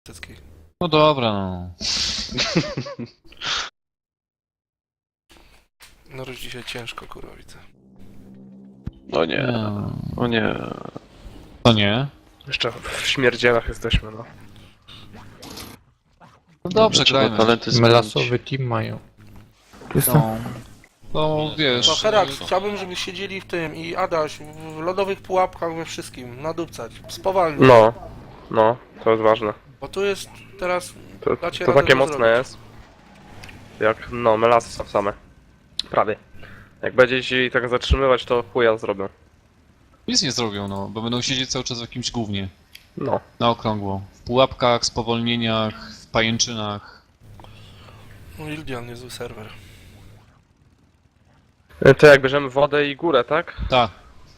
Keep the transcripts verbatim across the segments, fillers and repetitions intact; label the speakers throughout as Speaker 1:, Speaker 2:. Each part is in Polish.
Speaker 1: Tycki.
Speaker 2: No dobra, no.
Speaker 1: No już dzisiaj ciężko, kurwa, widzę.
Speaker 3: O nie,
Speaker 2: No.
Speaker 3: o nie.
Speaker 2: To nie.
Speaker 4: Jeszcze w śmierdzielach jesteśmy, no.
Speaker 2: No dobrze,
Speaker 3: Trzeba
Speaker 2: grajmy.
Speaker 3: talenty zmienić.
Speaker 5: Melasowy team mają.
Speaker 6: Jestem.
Speaker 2: No. No wiesz.
Speaker 1: To Herax, chciałbym, żebyś siedzieli w tym i Adaś w lodowych pułapkach we wszystkim, nadupcać, spowalnić.
Speaker 4: No, no, to jest ważne.
Speaker 1: Bo tu jest teraz...
Speaker 4: To,
Speaker 1: Dacie
Speaker 4: to
Speaker 1: radę
Speaker 4: takie
Speaker 1: to
Speaker 4: mocne
Speaker 1: zrobić.
Speaker 4: jest. Jak, no, melasy są same. Prawie. Jak będzie się tak zatrzymywać, to chuja zrobią.
Speaker 2: Nic nie zrobią, no, bo będą siedzieć cały czas w jakimś gównie.
Speaker 4: No.
Speaker 2: Na okrągło. W pułapkach, spowolnieniach, w pajęczynach.
Speaker 1: No Ildian, niezły serwer.
Speaker 4: To jak bierzemy wodę i górę, tak?
Speaker 2: Tak.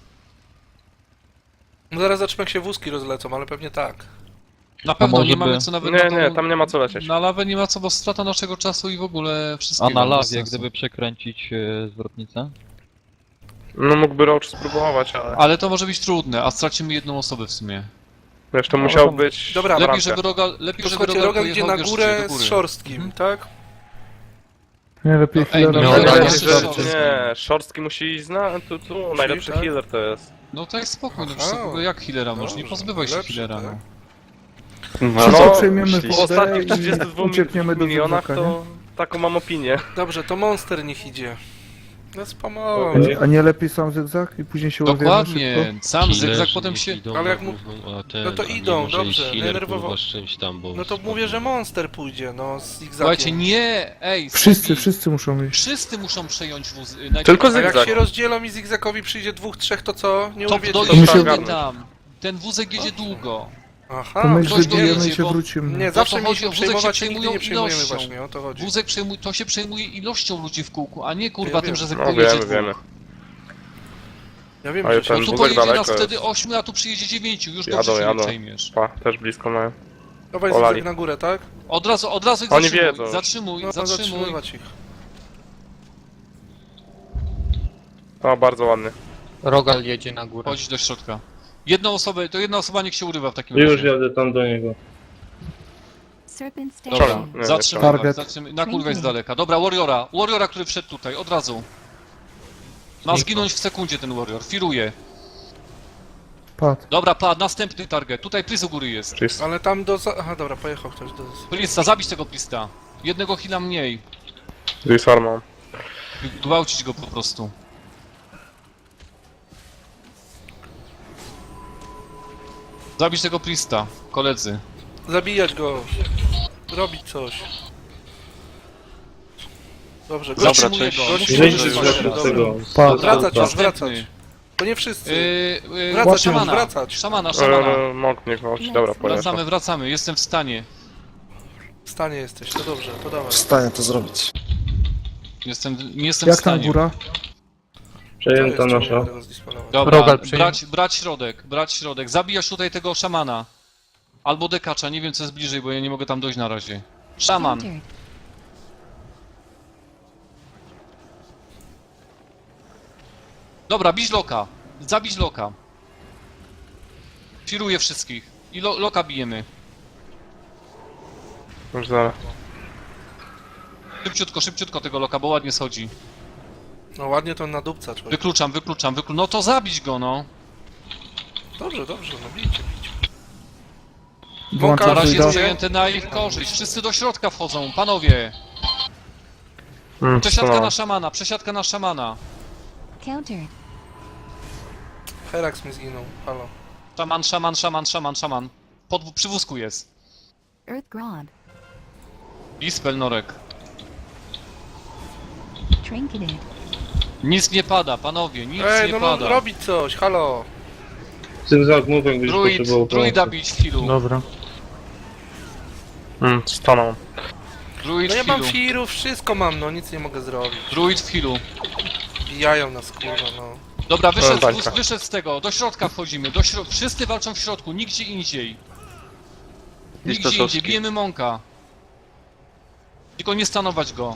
Speaker 1: No zaraz zobaczymy, jak się wózki rozlecą, ale pewnie tak.
Speaker 2: Na pewno
Speaker 5: może
Speaker 2: nie mamy
Speaker 5: by-
Speaker 2: co nawet
Speaker 4: Nie,
Speaker 2: na tą...
Speaker 4: nie, tam nie ma co lecieć.
Speaker 2: Na lawę nie ma co, bo strata naszego czasu i w ogóle wszystkiego.
Speaker 5: A na
Speaker 2: bez
Speaker 5: lawie,
Speaker 2: sensu.
Speaker 5: gdyby przekręcić e, zwrotnicę?
Speaker 4: No mógłby Roach spróbować, ale...
Speaker 2: Ale to może być trudne, a stracimy jedną osobę w sumie.
Speaker 4: Wiesz, to musiał być...
Speaker 1: Dobra,
Speaker 2: Lepiej,
Speaker 4: bramka.
Speaker 2: żeby Roga, lepiej,
Speaker 1: To
Speaker 2: żeby
Speaker 1: słuchajcie,
Speaker 2: Rogal
Speaker 1: Rogal idzie
Speaker 2: pojechał
Speaker 1: na
Speaker 2: wiesz,
Speaker 1: górę
Speaker 2: do góry.
Speaker 1: z szorstkim,
Speaker 2: Mhm.
Speaker 1: tak?
Speaker 6: Nie, lepiej
Speaker 2: No, ej,
Speaker 6: chwilę.
Speaker 2: miał
Speaker 4: Nie,
Speaker 2: Dobra,
Speaker 4: nie,
Speaker 2: jeszcze
Speaker 4: nie,
Speaker 2: Shortski.
Speaker 4: nie, Szorstki musi iść na... Tu, tu, najlepszy
Speaker 1: tak?
Speaker 4: healer to jest.
Speaker 2: No to jest spokój, no
Speaker 1: Aha.
Speaker 2: przecież w ogóle jak healera masz? Nie
Speaker 1: Dobrze,
Speaker 2: pozbywaj się
Speaker 1: lepszy,
Speaker 2: healera,
Speaker 1: tak?
Speaker 2: no.
Speaker 3: No,
Speaker 6: Co,
Speaker 4: No,
Speaker 6: przejmiemy
Speaker 3: myśli-
Speaker 4: Po
Speaker 6: wodę
Speaker 4: ostatnich
Speaker 6: i
Speaker 4: trzydziestu dwóch
Speaker 6: uciekniemy do
Speaker 4: milionach
Speaker 6: zygzaka,
Speaker 4: to taką mam opinię.
Speaker 1: Dobrze, to Monster niech idzie. No spamałem.
Speaker 6: A nie, a nie lepiej sam zygzak i później się urwiemy
Speaker 2: Dokładnie,
Speaker 6: szybko?
Speaker 2: sam zygzak potem się...
Speaker 1: Ale jak mu- no to idą, dobrze, denerwowo-
Speaker 7: z czymś tam, bo...
Speaker 1: No to mówię, że Monster pójdzie, no z zigzakiem.
Speaker 2: Słuchajcie, nie, ej,
Speaker 6: Wszyscy,
Speaker 2: Sophie,
Speaker 6: wszyscy muszą iść.
Speaker 2: wszyscy muszą przejąć wóz... najpierw-
Speaker 4: Tylko
Speaker 1: A jak
Speaker 4: zygzak.
Speaker 1: się rozdzielą i zigzakowi przyjdzie dwóch, trzech, to co? Nie
Speaker 2: To
Speaker 1: urwiecie?
Speaker 2: dojedziemy
Speaker 4: ogarnąć.
Speaker 2: tam. Ten wózek jedzie długo.
Speaker 1: Aha,
Speaker 6: To my ich
Speaker 2: ktoś
Speaker 6: wybijemy
Speaker 2: dojedzie,
Speaker 6: i się
Speaker 2: bo-
Speaker 6: wrócimy.
Speaker 1: nie,
Speaker 2: to
Speaker 1: zawsze
Speaker 2: chodzi
Speaker 1: mieliśmy
Speaker 2: o wózek, się
Speaker 1: przejmować i nigdy
Speaker 2: przejmują
Speaker 1: nie przejmujemy
Speaker 2: ilością.
Speaker 1: właśnie, o to chodzi.
Speaker 2: Wózek przejmuj, to się przejmuje ilością ludzi w kółku, a nie kurwa
Speaker 1: Ja
Speaker 2: tym,
Speaker 1: wiem.
Speaker 2: że
Speaker 4: No
Speaker 2: pojedzie
Speaker 4: wiemy,
Speaker 2: dwóch.
Speaker 4: wiemy.
Speaker 1: Ja wiem,
Speaker 4: Ale
Speaker 1: że
Speaker 4: ten
Speaker 1: się...
Speaker 2: No tu
Speaker 4: wózek
Speaker 2: pojedzie
Speaker 4: daleko
Speaker 2: nas
Speaker 4: jest.
Speaker 2: wtedy ośmiu, a tu przyjedzie dziewięciu, już
Speaker 4: Jadą,
Speaker 2: dobrze się nie
Speaker 4: jadą.
Speaker 2: przejmiesz.
Speaker 4: Pa, też blisko mają.
Speaker 1: Dawaj
Speaker 4: Olali.
Speaker 1: zygzak na górę, tak?
Speaker 2: Od razu, od razu ich
Speaker 4: Oni
Speaker 2: zatrzymuj,
Speaker 4: wiedzą.
Speaker 2: zatrzymuj,
Speaker 1: No
Speaker 2: zatrzymuj.
Speaker 1: zatrzymywać ich.
Speaker 4: O, bardzo ładny.
Speaker 5: Rogal jedzie na górę.
Speaker 2: Chodź do środka. Jedną osobę, to jedna osoba niech się urywa w takim
Speaker 7: Już
Speaker 2: razie.
Speaker 7: jadę tam do niego.
Speaker 8: Serpent
Speaker 2: Dobra,
Speaker 8: Station.
Speaker 4: Nie,
Speaker 2: zatrzymaj
Speaker 6: Target.
Speaker 2: was, zatrzymaj. Na kurwę jest z daleka. Dobra, Warriora, Warriora, który wszedł tutaj, od razu. Ma zginąć w sekundzie ten Warrior, firuje.
Speaker 6: Padł.
Speaker 2: Dobra, padł, następny target. Tutaj Pris u góry jest.
Speaker 4: Czyli
Speaker 1: Ale tam do... za- Aha, dobra, pojechał ktoś do...
Speaker 2: Prista, zabić tego Prista. Jednego heala mniej.
Speaker 4: z farmą.
Speaker 2: Gwałcić go po prostu. Zabić tego Prista, koledzy.
Speaker 1: Zabijać go. Robić coś. Dobrze,
Speaker 2: Dobra,
Speaker 1: gościu,
Speaker 2: cześć.
Speaker 1: gościu,
Speaker 2: Gościu,
Speaker 7: Zejdź
Speaker 2: Gościu,
Speaker 7: z
Speaker 2: gościu,
Speaker 7: tego,
Speaker 2: dobra.
Speaker 7: tego.
Speaker 6: Padł.
Speaker 1: Wracać już,
Speaker 2: Następny.
Speaker 1: wracać. To nie wszyscy.
Speaker 2: Yy, yy,
Speaker 1: Wracać,
Speaker 2: szamana,
Speaker 1: wracać.
Speaker 2: szamana, szamana.
Speaker 4: Eee, Mąk nie gwałci, dobra, pojechał.
Speaker 2: Wracamy, wracamy, jestem w stanie.
Speaker 1: W stanie jesteś, to dobrze, to dawaj.
Speaker 9: Wstaję to zrobić.
Speaker 2: Jestem, nie jestem w
Speaker 6: Jak tam
Speaker 2: stanie.
Speaker 6: góra?
Speaker 7: Przejęta
Speaker 1: To jest,
Speaker 7: nasza.
Speaker 1: czemu tego zdisponować?
Speaker 2: Dobra,
Speaker 5: Rogal przyjm-
Speaker 2: brać, brać środek, brać środek. Zabijasz tutaj tego szamana. Albo dekacza, nie wiem co jest bliżej, bo ja nie mogę tam dojść na razie. Szaman.
Speaker 8: Countered.
Speaker 2: Dobra, bić loka. Zabić loka. Firuję wszystkich. I lo, loka bijemy.
Speaker 4: Już zaraz.
Speaker 2: Szybciutko, szybciutko tego loka, bo ładnie schodzi.
Speaker 1: No ładnie to nadupca człowiek.
Speaker 2: Wykluczam, wykluczam, wykluczam. No to zabić go, no.
Speaker 1: Dobrze, dobrze, no bijcie, bijcie.
Speaker 2: Na
Speaker 6: Włączam
Speaker 2: razie jest
Speaker 6: druida.
Speaker 2: zajęte na ich korzyść. Wszyscy do środka wchodzą, panowie.
Speaker 4: Mm,
Speaker 2: Przesiadka
Speaker 4: no.
Speaker 2: na szamana, przesiadka na szamana.
Speaker 8: Countered.
Speaker 1: Herax mi zginął, halo.
Speaker 2: Szaman, szaman, szaman, szaman, szaman. Pod, przy wózku jest.
Speaker 8: Earth Grodd.
Speaker 2: Dispel, Norek.
Speaker 8: Trinketed.
Speaker 2: Nic nie pada, panowie, nic
Speaker 1: Ej,
Speaker 2: nie
Speaker 1: no, no
Speaker 2: pada.
Speaker 1: robić coś, halo.
Speaker 7: Zygzak mówię, gdyś
Speaker 2: Druid,
Speaker 7: potrzebował
Speaker 2: druida
Speaker 7: pomocy.
Speaker 2: bić w healu.
Speaker 6: Dobra.
Speaker 4: Mm, stanął.
Speaker 2: Druid
Speaker 1: No ja
Speaker 2: w
Speaker 1: mam
Speaker 2: healu.
Speaker 1: firów, wszystko mam, no nic nie mogę zrobić.
Speaker 2: Druid w healu.
Speaker 1: Bijają nas, kurwa, no.
Speaker 2: Dobra, wyszedł,
Speaker 4: bańka.
Speaker 2: wóz, wyszedł z tego, do środka wchodzimy, do śro... wszyscy walczą w środku, nigdzie indziej. Nigdzie indziej,
Speaker 3: Staszowski.
Speaker 2: bijemy Monka. Tylko nie stanować go.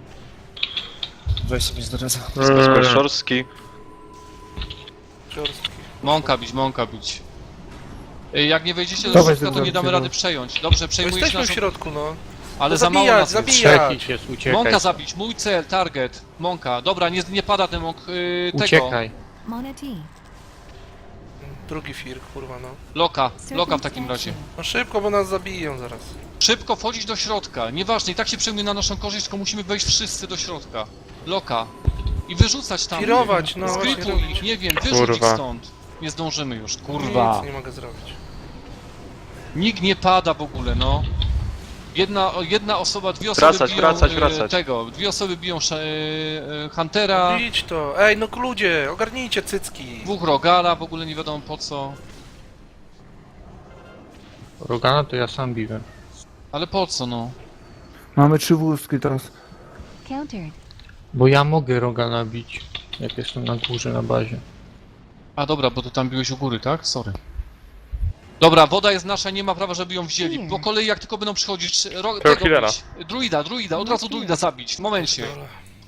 Speaker 9: Weź sobie zdradza.
Speaker 4: Mm,
Speaker 3: Szorstki.
Speaker 1: Ciorski.
Speaker 2: Monka bić, Monka bić. Y, Jak nie wejdziecie do
Speaker 6: Dawaj,
Speaker 2: środka, to
Speaker 6: zygzak,
Speaker 2: nie damy
Speaker 6: zygzak.
Speaker 2: rady przejąć. Dobrze,
Speaker 1: Bo
Speaker 2: przejmujecie
Speaker 1: jesteśmy w
Speaker 2: naszą...
Speaker 1: środku, no.
Speaker 2: Ale
Speaker 1: No
Speaker 2: za mało
Speaker 1: zabijać,
Speaker 2: nas jest.
Speaker 1: zabijać.
Speaker 5: Trzeci jest, uciekaj.
Speaker 2: Monka zabić, mój cel, target. Monka, dobra, nie, nie pada ten monk y, tego.
Speaker 5: Uciekaj.
Speaker 8: Monety.
Speaker 1: Drugi fir, kurwa, no.
Speaker 2: Loka, loka w
Speaker 8: Serpent
Speaker 2: takim razie.
Speaker 8: statue.
Speaker 1: No szybko, bo nas zabiją zaraz.
Speaker 2: Szybko wchodzić do środka, nieważne, i tak się przejmuje na naszą korzyść, tylko musimy wejść wszyscy do środka. Loka. I wyrzucać tam.
Speaker 1: Firować, no właśnie
Speaker 2: Skrytuj
Speaker 1: robić.
Speaker 2: ich, nie wiem, wyrzuć ich
Speaker 4: Kurwa.
Speaker 2: stąd. Nie zdążymy już, kurwa.
Speaker 1: Nic nie mogę zrobić.
Speaker 2: Nikt nie pada w ogóle, no. Jedna, jedna osoba, dwie osoby
Speaker 3: Wracać,
Speaker 2: biją
Speaker 3: wracać,
Speaker 2: e,
Speaker 3: wracać.
Speaker 2: tego, dwie osoby biją sze- e, e, Huntera,
Speaker 1: Bić to. Ej, no ludzie, ogarnijcie cycki.
Speaker 2: dwóch Rogala, w ogóle nie wiadomo po co.
Speaker 5: Rogana to ja sam biłem.
Speaker 2: Ale po co, no?
Speaker 6: Mamy trzy wózki teraz.
Speaker 8: Countered.
Speaker 5: Bo ja mogę Rogana bić, jak jestem na górze, na bazie.
Speaker 2: A dobra, bo ty tam biłeś u góry, tak? Sorry. Dobra, woda jest nasza, nie ma prawa, żeby ją wzięli.
Speaker 8: Nie.
Speaker 2: Po kolei jak tylko będą przychodzić, ro,
Speaker 4: Tego
Speaker 2: tego
Speaker 4: healera.
Speaker 2: bić. Druida, druida, od razu druida zabić, w momencie.
Speaker 1: Dobra.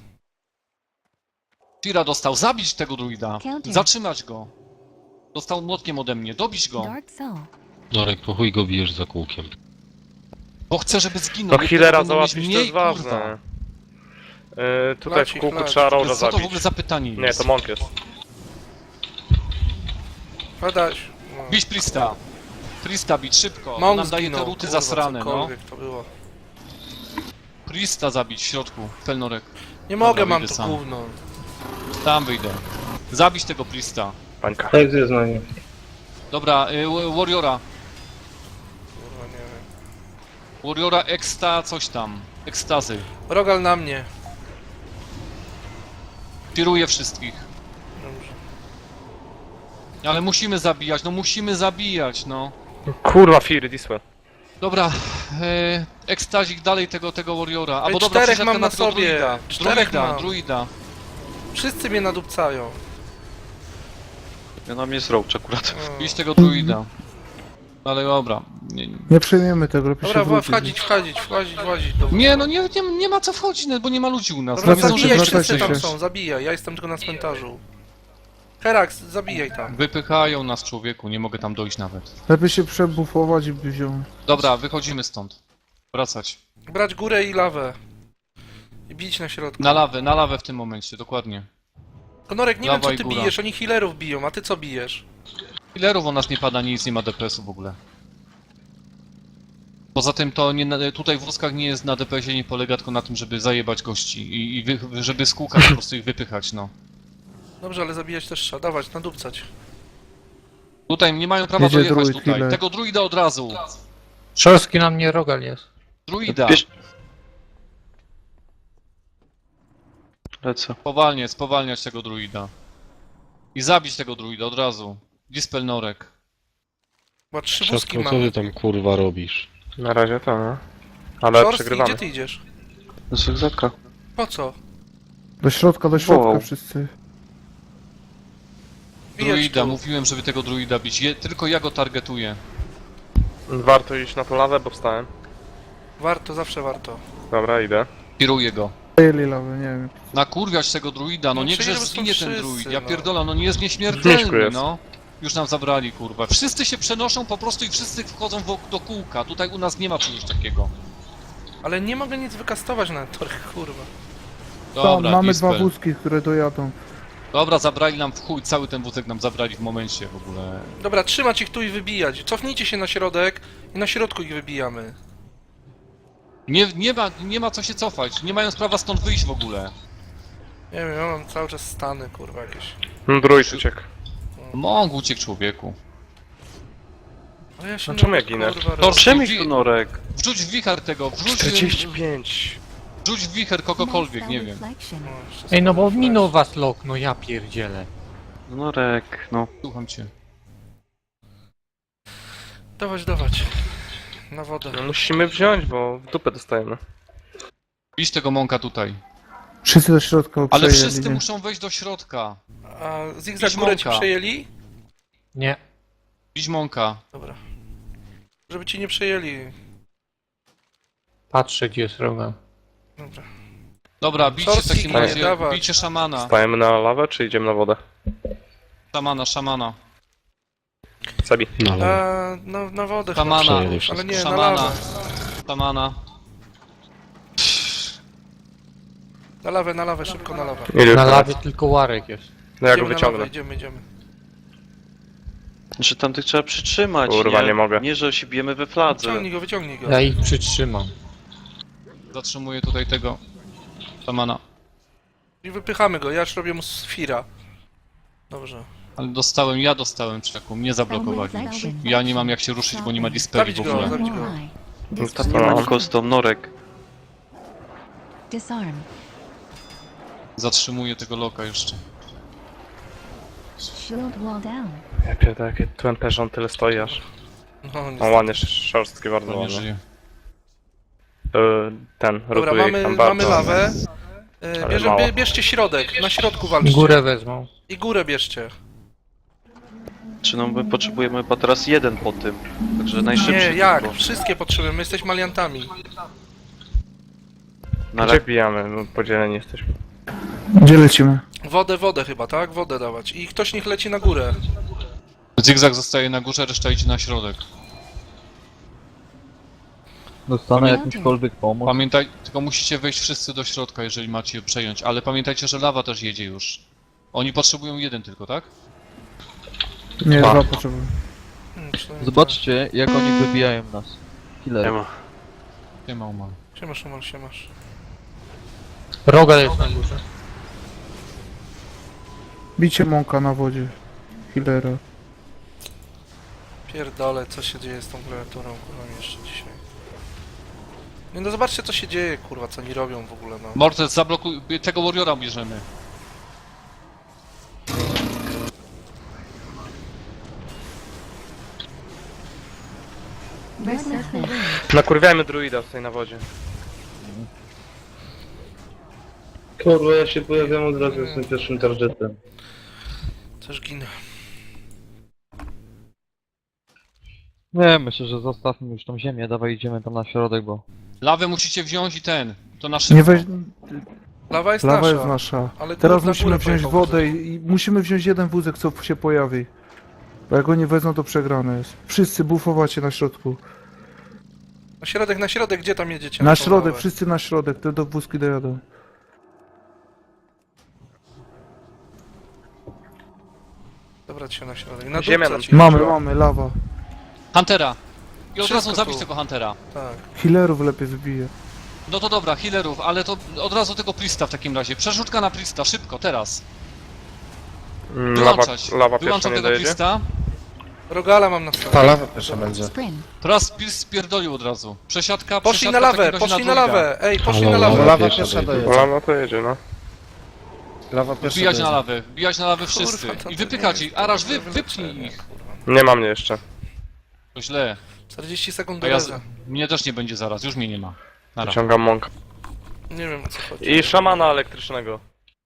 Speaker 2: Tira dostał, zabić tego druida.
Speaker 8: Counter.
Speaker 2: Zatrzymać go. Dostał młotkiem ode mnie, dobić go.
Speaker 8: Dark soul.
Speaker 7: Norek, po chuj go bijesz za kółkiem.
Speaker 2: Bo chcę, żeby zginął.
Speaker 4: No
Speaker 2: bo
Speaker 4: healera
Speaker 2: będą mieć
Speaker 4: załatwić to
Speaker 2: mniej,
Speaker 4: jest ważne.
Speaker 2: kurwa.
Speaker 4: Yy, tutaj
Speaker 1: Leci,
Speaker 4: w kółku
Speaker 1: leci.
Speaker 4: trzeba Roża
Speaker 2: Co to w
Speaker 4: zabić.
Speaker 2: ogóle za pytanie jest?
Speaker 4: Nie, to Monk jest.
Speaker 1: Padaś. No.
Speaker 2: Bić Prista. Prista bić szybko.
Speaker 1: Mąk
Speaker 2: Nam daje te
Speaker 1: zginął,
Speaker 2: ruty
Speaker 1: kurwa,
Speaker 2: zasrane, no.
Speaker 1: cokolwiek to było.
Speaker 2: Prista zabić w środku, Pelnorek.
Speaker 1: Nie mogę,
Speaker 2: Dobra,
Speaker 1: mam
Speaker 2: wyjdę
Speaker 1: to
Speaker 2: sam.
Speaker 1: gówno.
Speaker 2: Tam wyjdę. Zabić tego Prista.
Speaker 4: Pańka.
Speaker 7: Tak jest na nie.
Speaker 2: Dobra, y, Wa- Warriora.
Speaker 1: Kurwa, nie wiem.
Speaker 2: Warriora Eksta, coś tam. Ekstazy.
Speaker 1: Rogal na mnie.
Speaker 2: Tiruje wszystkich.
Speaker 1: Dobrze.
Speaker 2: Ale musimy zabijać, no musimy zabijać, no.
Speaker 4: Kurwa, Fury, this way.
Speaker 2: Dobra, e, ekstazik dalej tego, tego Warriora. Albo
Speaker 1: Ej,
Speaker 2: dobra,
Speaker 1: czterech
Speaker 2: przesiadka
Speaker 1: mam na
Speaker 2: tego
Speaker 1: sobie.
Speaker 2: Druida.
Speaker 1: Czterech
Speaker 2: Druida,
Speaker 1: mam.
Speaker 2: druida.
Speaker 1: Wszyscy mnie nadupcają.
Speaker 3: Ja na mnie jest roach akurat.
Speaker 1: O.
Speaker 2: Bić tego druida. Ale dobra. Nie, nie.
Speaker 6: Nie przejmiemy tego, lepiej
Speaker 1: Dobra,
Speaker 6: się
Speaker 1: wa-
Speaker 6: wrócić.
Speaker 1: wchodzić, wchodzić, wchodzić, wchodzić. Do...
Speaker 2: nie no nie, nie, nie ma co wchodzić, no, bo nie ma ludzi u nas.
Speaker 1: Dobra,
Speaker 2: No, nie
Speaker 6: wracajcie,
Speaker 2: zdążymy
Speaker 1: zabijaj,
Speaker 2: się
Speaker 1: wszyscy
Speaker 6: wracajcie
Speaker 1: tam
Speaker 6: się.
Speaker 1: są, zabijaj. Ja jestem tylko na cmentarzu. Herax, zabijaj tam.
Speaker 2: Wypychają nas, człowieku, nie mogę tam dojść nawet.
Speaker 6: Lepiej się przebufować i by wziął.
Speaker 2: Dobra, wychodzimy stąd. Wracać.
Speaker 1: Brać górę i lawę. I bić na środku.
Speaker 2: Na lawę, na lawę w tym momencie, dokładnie.
Speaker 1: Konorek, nie
Speaker 2: Lawa
Speaker 1: wiem co
Speaker 2: i
Speaker 1: ty
Speaker 2: góra.
Speaker 1: bijesz, oni healerów biją, a ty co bijesz?
Speaker 2: Killerów u nas nie pada nic, nie ma D P S-u w ogóle. Poza tym to nie, na- tutaj w wózkach nie jest na D P S-ie, nie polega tylko na tym, żeby zajebać gości i, i wy, żeby z kółka po prostu ich wypychać, no.
Speaker 1: Dobrze, ale zabijać też trzeba, dawać, nadupcać.
Speaker 2: Tutaj nie mają prawa
Speaker 6: Jedzie
Speaker 2: dojechać
Speaker 6: druid,
Speaker 2: tutaj.
Speaker 6: healer.
Speaker 2: Tego druida od razu.
Speaker 5: Szorstki na mnie Rogal jest.
Speaker 2: Druida.
Speaker 3: Bierz- Lecę.
Speaker 2: Spowalniać, spowalniać tego druida. I zabić tego druida od razu. Dispel Norek.
Speaker 1: Chyba trzy wózki
Speaker 7: Szafko, co ty
Speaker 1: mamy.
Speaker 7: tam kurwa robisz?
Speaker 4: Na razie to, no. Ale
Speaker 1: Szorstki,
Speaker 4: przegrywamy.
Speaker 1: gdzie ty idziesz?
Speaker 3: Do zygzaka.
Speaker 1: Po co?
Speaker 6: Do środka, do środka
Speaker 3: Wow.
Speaker 6: wszyscy.
Speaker 1: Bijać
Speaker 2: Druida,
Speaker 1: tu.
Speaker 2: mówiłem, żeby tego druida bić. Je, tylko ja go targetuję.
Speaker 4: Warto iść na tą lawę, bo wstałem.
Speaker 1: Warto, zawsze warto.
Speaker 4: Dobra, idę.
Speaker 2: Kieruję go.
Speaker 6: Przejęli lawę, nie wiem.
Speaker 2: Nakurwiać tego druida, no
Speaker 1: No
Speaker 2: niech
Speaker 1: przecież
Speaker 2: że
Speaker 1: są
Speaker 2: zginie ten
Speaker 1: wszyscy,
Speaker 2: druid. Ja
Speaker 1: no.
Speaker 2: pierdolę, no nie jest
Speaker 4: Zniszku
Speaker 2: nieśmiertelny,
Speaker 4: jest.
Speaker 2: no. Już nam zabrali, kurwa. Wszyscy się przenoszą po prostu i wszyscy wchodzą w, do kółka. Tutaj u nas nie ma czegoś takiego.
Speaker 1: Ale nie mogę nic wykastować na torach, kurwa.
Speaker 6: Tam
Speaker 2: Dobra,
Speaker 6: mamy
Speaker 2: Dispel.
Speaker 6: dwa wózki, które dojadą.
Speaker 2: Dobra, zabrali nam w chuj, cały ten wózek nam zabrali w momencie w ogóle.
Speaker 1: Dobra, trzymać ich tu i wybijać. Cofnijcie się na środek i na środku ich wybijamy.
Speaker 2: Nie, nie, ma, nie ma co się cofać, nie mają prawa stąd wyjść w ogóle.
Speaker 1: Nie wiem, ja mam cały czas stany, kurwa, jakieś.
Speaker 4: Hmm, Druid uciekł.
Speaker 2: Mąk uciekł, człowieku.
Speaker 1: Ale ja się
Speaker 4: A czemu
Speaker 1: nie
Speaker 4: ja ginę?
Speaker 1: kurwa, robię.
Speaker 2: Torsz,
Speaker 3: Przemyśl tu Norek.
Speaker 2: Wrzuć w wicher tego, wrzuć,
Speaker 4: czterdzieści pięć.
Speaker 2: wrzuć w wicher kogokolwiek,
Speaker 8: Nice
Speaker 2: nie
Speaker 8: spell
Speaker 2: wiem.
Speaker 8: reflection.
Speaker 1: O, jeszcze
Speaker 5: Ej, no bo
Speaker 1: sobie
Speaker 5: minął was lok, no ja pierdzielę.
Speaker 3: Norek, no.
Speaker 2: Słucham cię.
Speaker 1: Dawać, dawać. Na wodę.
Speaker 4: No, musimy wziąć, bo w dupę dostajemy.
Speaker 2: Bić tego mąka tutaj.
Speaker 6: Wszyscy do środka
Speaker 2: Ale
Speaker 6: przejęli,
Speaker 2: wszyscy
Speaker 6: nie?
Speaker 2: muszą wejść do środka.
Speaker 1: A zigzag
Speaker 2: Bić
Speaker 1: górę ci
Speaker 2: mąka.
Speaker 1: przejęli?
Speaker 5: Nie.
Speaker 2: Bić mąka.
Speaker 1: Dobra. Żeby ci nie przejęli.
Speaker 5: Patrzę, gdzie jest Rogal.
Speaker 1: Dobra.
Speaker 2: Dobra, bijcie w
Speaker 1: Szorstki
Speaker 2: takim
Speaker 1: ginie,
Speaker 2: razie,
Speaker 1: dawać.
Speaker 2: bijcie szamana.
Speaker 4: Stajemy na lawę, czy idziemy na wodę?
Speaker 2: Szamana, szamana.
Speaker 4: Sabi.
Speaker 7: Na lewo.
Speaker 1: A, na, na wodę chyba
Speaker 2: Szamana.
Speaker 1: przejedę,
Speaker 7: Przejedę
Speaker 1: ale nie, na
Speaker 2: Szamana.
Speaker 1: lawę.
Speaker 2: Szamana.
Speaker 1: Na lawę, na lawę, szybko na lawę.
Speaker 4: Ile
Speaker 5: Na
Speaker 4: teraz?
Speaker 5: lawie tylko Łarek jest.
Speaker 4: No ja go
Speaker 1: Idziemy na
Speaker 4: wyciągnę.
Speaker 1: lawę, idziemy, idziemy.
Speaker 3: Znaczy tamtych trzeba przytrzymać,
Speaker 4: Kurwa,
Speaker 3: nie?
Speaker 4: nie mogę.
Speaker 3: Nie, że się bijemy we fladze.
Speaker 1: Wyciągnij go, wyciągnij go.
Speaker 5: Ja ich przytrzymam.
Speaker 2: Zatrzymuję tutaj tego szamana.
Speaker 1: I wypychamy go, ja już robię mu sfira. Dobrze.
Speaker 2: Ale dostałem, ja dostałem czeku, mnie zablokowali. Ja nie mam jak się ruszyć, bo nie ma dispeli w
Speaker 1: Zabić go,
Speaker 2: ogóle.
Speaker 1: zabić go.
Speaker 4: No,
Speaker 8: Disarm.
Speaker 4: to-
Speaker 3: Nie ma custom, Norek.
Speaker 8: Disarm.
Speaker 2: Zatrzymuję tego loka jeszcze.
Speaker 8: Shield wall down.
Speaker 4: Ja pierdolę, jakie tu M P, że on tyle stoi aż.
Speaker 1: No,
Speaker 4: O,
Speaker 1: niestety.
Speaker 4: ładnie, szorstkie bardzo
Speaker 2: To nie
Speaker 4: ładnie.
Speaker 2: żyje.
Speaker 4: Y, Ten,
Speaker 1: Dobra,
Speaker 4: rotuje ich
Speaker 1: mamy,
Speaker 4: tam
Speaker 1: mamy
Speaker 4: bardzo.
Speaker 1: lawę. E,
Speaker 4: Ale
Speaker 1: Bierze,
Speaker 4: mało.
Speaker 1: bie, bierzcie środek, na środku walczcie.
Speaker 5: Górę wezmą.
Speaker 1: I górę bierzcie.
Speaker 3: Czy no my potrzebujemy chyba teraz jeden po tym. Także najszybciej
Speaker 1: Nie, jak?
Speaker 3: tylko.
Speaker 1: Wszystkie potrzebujemy, my jesteśmy aliantami.
Speaker 3: No
Speaker 4: Gdzie
Speaker 3: ale
Speaker 4: bijamy? No, podzieleni jesteśmy.
Speaker 6: Gdzie lecimy?
Speaker 1: Wodę, wodę chyba, tak? Wodę dawać. I ktoś niech leci na górę.
Speaker 2: Zigzag zostaje na górze, reszta idzie na środek.
Speaker 8: Dostanę jakąśkolwiek
Speaker 2: pomoc. Pamiętaj, tylko musicie wejść wszyscy do środka, jeżeli macie je przejąć, ale pamiętajcie, że lawa też jedzie już. Oni potrzebują jeden tylko, tak?
Speaker 6: Nie,
Speaker 3: Dwa.
Speaker 6: dwa potrzebuję.
Speaker 1: Hmm, przynajmniej
Speaker 9: Zobaczcie, jak oni wybijają nas.
Speaker 3: nie
Speaker 9: Killer.
Speaker 3: ma.
Speaker 2: Nie ma umal.
Speaker 1: tak. Siemasz, Omal, siemasz.
Speaker 5: Rogal jest na górze.
Speaker 6: Bicie mąka na wodzie. Healera.
Speaker 1: Pierdolę, co się dzieje z tą klawiaturą, kurwa, mi jeszcze dzisiaj. Nie no, zobaczcie co się dzieje, kurwa, co oni robią w ogóle, no.
Speaker 2: Mortes, zablokuj, tego warriora bierzemy.
Speaker 8: Restless the wind.
Speaker 4: Nakurwiajmy druida tutaj na wodzie.
Speaker 10: Kurwa, ja się pojawiam od razu z tym pierwszym targetem.
Speaker 1: Też ginę.
Speaker 9: Nie, myślę, że zostawmy już tą ziemię, dawaj idziemy tam na środek, bo...
Speaker 2: Lawę musicie wziąć i ten, to na szybko.
Speaker 6: Nie weź...
Speaker 1: Lawa jest
Speaker 6: Lawa
Speaker 1: nasza.
Speaker 6: jest nasza.
Speaker 1: Ale
Speaker 6: Teraz
Speaker 1: na
Speaker 6: musimy
Speaker 1: górę
Speaker 6: wziąć
Speaker 1: pojechał
Speaker 6: wodę i, i musimy wziąć jeden wózek, co się pojawi. Bo jak go nie wezmą, to przegrane jest. Wszyscy bufowacie na środku.
Speaker 1: Na środek, na środek, gdzie tam jedziecie?
Speaker 6: Na
Speaker 1: tą
Speaker 6: środek,
Speaker 1: lawę?
Speaker 6: wszyscy na środek, te do wózki dojadą.
Speaker 1: Dobrać się na środek. Na
Speaker 4: Ziemia
Speaker 1: dupca
Speaker 4: nam-
Speaker 1: ci
Speaker 6: Mamy,
Speaker 4: Dobra.
Speaker 6: mamy, lawa.
Speaker 2: Huntera! I od
Speaker 1: Wszystko
Speaker 2: razu zabić
Speaker 1: tu.
Speaker 2: tego Huntera.
Speaker 1: Tak.
Speaker 6: Healerów lepiej wybije.
Speaker 2: No to dobra, healerów, ale to od razu tego Prista w takim razie. Przerzutka na Prista, szybko, teraz.
Speaker 4: Mm, Lawa,
Speaker 2: Wyłączać.
Speaker 4: lawa pierwsza
Speaker 2: Wyłączam
Speaker 4: nie
Speaker 2: tego
Speaker 4: dojedzie.
Speaker 2: Prista.
Speaker 1: Rogala mam na stole.
Speaker 10: lawa pierwsza będzie.
Speaker 8: Sprint.
Speaker 2: Teraz Prist spierdolił od razu. Przesiadka,
Speaker 1: Poszli
Speaker 2: przesiadka
Speaker 1: na
Speaker 2: w takim
Speaker 1: lawę,
Speaker 2: razie
Speaker 1: poszli na
Speaker 2: druida.
Speaker 1: lawę. Ej, poszli
Speaker 7: Halo,
Speaker 1: na lawę.
Speaker 7: lawa
Speaker 10: Lawa
Speaker 7: pierwsza
Speaker 10: pierwsza
Speaker 7: dojedzie.
Speaker 10: dojedzie.
Speaker 4: No, no to jedzie, no.
Speaker 10: Lawa pierwsza
Speaker 2: Wbijać na
Speaker 10: dojedzie.
Speaker 2: lawę, wbijać na lawę wszyscy.
Speaker 1: Kurwa, to
Speaker 2: I
Speaker 1: to
Speaker 2: wypykać
Speaker 1: nie
Speaker 2: ich.
Speaker 1: jest
Speaker 2: Araż, wy,
Speaker 1: dobre
Speaker 2: wypchnij
Speaker 1: wyleczenie,
Speaker 2: ich.
Speaker 1: kurwa.
Speaker 4: Nie ma mnie jeszcze.
Speaker 2: To źle.
Speaker 1: czterdzieści sekund
Speaker 2: To
Speaker 1: do
Speaker 2: ja,
Speaker 1: reza.
Speaker 2: mnie też nie będzie zaraz, już mnie nie ma. Nara.
Speaker 4: Wyciągam mąka.
Speaker 1: Nie wiem o co chodzi.
Speaker 4: I szamana elektrycznego.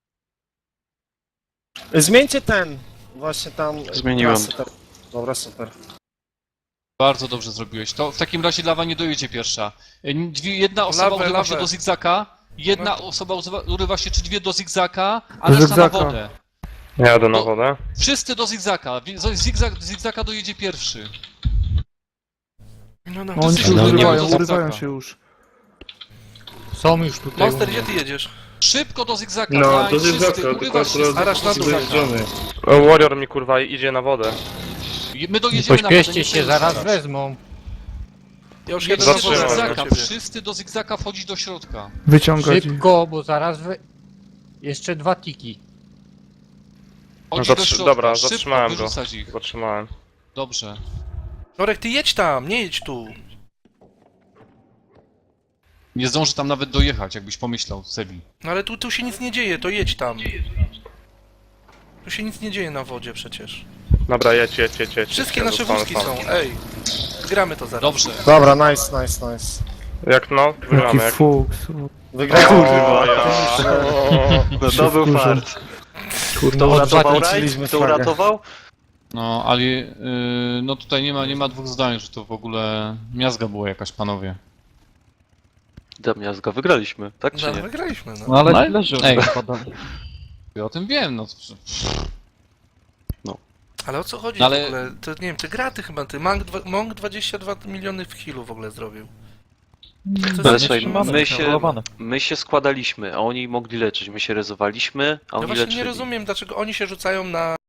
Speaker 10: Zmieńcie ten! Właśnie tam...
Speaker 3: Zmieniłem.
Speaker 10: klasy, tak. Dobra, super.
Speaker 2: Bardzo dobrze zrobiłeś. To w takim razie lawa nie dojedzie pierwsza. Y, Dwie, jedna osoba
Speaker 1: Lawę,
Speaker 2: urywa się
Speaker 1: lawę.
Speaker 2: do zigzaka, jedna
Speaker 1: No.
Speaker 2: osoba urywa- urywa się czy dwie do zigzaka, a
Speaker 6: Do
Speaker 2: reszta na
Speaker 6: zigzaka.
Speaker 2: wodę.
Speaker 4: Ja jadę na
Speaker 2: No.
Speaker 4: wodę.
Speaker 2: Wszyscy do zigzaka. Wi- z- Zigzag, zigzaka dojedzie pierwszy.
Speaker 1: No, no.
Speaker 6: No, oni się
Speaker 2: No,
Speaker 6: już
Speaker 2: nie
Speaker 6: urywają,
Speaker 2: ma do
Speaker 6: urywają
Speaker 2: zigzaka.
Speaker 6: się już.
Speaker 5: Są już tutaj.
Speaker 1: Monster,
Speaker 5: u
Speaker 1: gdzie
Speaker 5: mnie.
Speaker 1: ty jedziesz?
Speaker 2: Szybko do zigzaka.
Speaker 10: No,
Speaker 2: daj,
Speaker 10: to
Speaker 2: wszyscy,
Speaker 10: jest zawsze, tylko
Speaker 2: urywasz się z
Speaker 10: akurat
Speaker 1: Arasz na dół.
Speaker 10: zjeżdżony.
Speaker 4: O, Warrior mi kurwa idzie na wodę.
Speaker 2: My dojedziemy na wodę.
Speaker 5: Pośpieszcie
Speaker 2: nie
Speaker 5: się,
Speaker 2: przejmuj
Speaker 5: zaraz
Speaker 2: zaraz.
Speaker 5: wezmą.
Speaker 1: Ja już jedę
Speaker 2: Jedźcie
Speaker 1: na
Speaker 2: do
Speaker 4: Zatrzymałem
Speaker 1: wodę.
Speaker 2: zigzaka,
Speaker 1: do ciebie.
Speaker 2: wszyscy do zigzaka wchodzić do środka.
Speaker 6: Wyciągać ich.
Speaker 5: Szybko, bo zaraz wy... Jeszcze dwa tiki.
Speaker 2: Wchodzić
Speaker 4: No
Speaker 2: do
Speaker 4: zatrzy-
Speaker 2: środka,
Speaker 4: dobra,
Speaker 2: szybko,
Speaker 4: zatrzymałem go.
Speaker 2: wyrzucać ich.
Speaker 4: Zatrzymałem.
Speaker 2: Dobrze.
Speaker 1: Norek, ty jedź tam, nie jedź tu.
Speaker 2: Nie zdąży tam nawet dojechać, jakbyś pomyślał, Sebi.
Speaker 1: No ale tu, tu się nic nie dzieje, to jedź tam. Tu się nic nie dzieje na wodzie przecież.
Speaker 4: Dobra, jedź, jedź, jedź, jedź.
Speaker 1: Wszystkie
Speaker 4: Ja
Speaker 1: nasze
Speaker 4: zostanę
Speaker 1: wózki
Speaker 4: sam.
Speaker 1: są, ej. Gramy to zaraz.
Speaker 2: Dobrze.
Speaker 10: Dobra, nice, nice, nice.
Speaker 4: Jak no?
Speaker 6: Jaki
Speaker 4: Wygramy. Jak...
Speaker 6: fuks.
Speaker 10: Wygrałem.
Speaker 4: O, ja.
Speaker 3: No to był fart.
Speaker 6: Kurwa,
Speaker 3: uratował
Speaker 10: zakręciliśmy
Speaker 3: rajd? Kto
Speaker 10: flagę.
Speaker 3: uratował?
Speaker 2: No, ale yy, no tutaj nie ma, nie ma dwóch zdań, że to w ogóle miazga była jakaś, panowie.
Speaker 3: Damiazga, wygraliśmy, tak czy
Speaker 1: No,
Speaker 3: nie?
Speaker 1: wygraliśmy, no.
Speaker 9: No ale
Speaker 2: No,
Speaker 9: leży
Speaker 2: ej.
Speaker 9: oni padali.
Speaker 2: Ja o tym wiem, no.
Speaker 1: Ale o co chodzi
Speaker 2: No ale-
Speaker 1: w ogóle? To nie wiem, te graty chyba, ty Monk, dwa- Monk dwadzieścia dwa miliony w healu w ogóle zrobił. Co to
Speaker 3: Ale
Speaker 1: jest
Speaker 3: słuchaj,
Speaker 1: zatrzymane?
Speaker 3: my się,
Speaker 9: kontrolowane.
Speaker 3: my się składaliśmy, a oni mogli leczyć. My się rezowaliśmy, a
Speaker 1: No
Speaker 3: oni
Speaker 1: właśnie
Speaker 3: leczyli.
Speaker 1: nie rozumiem, dlaczego oni się rzucają na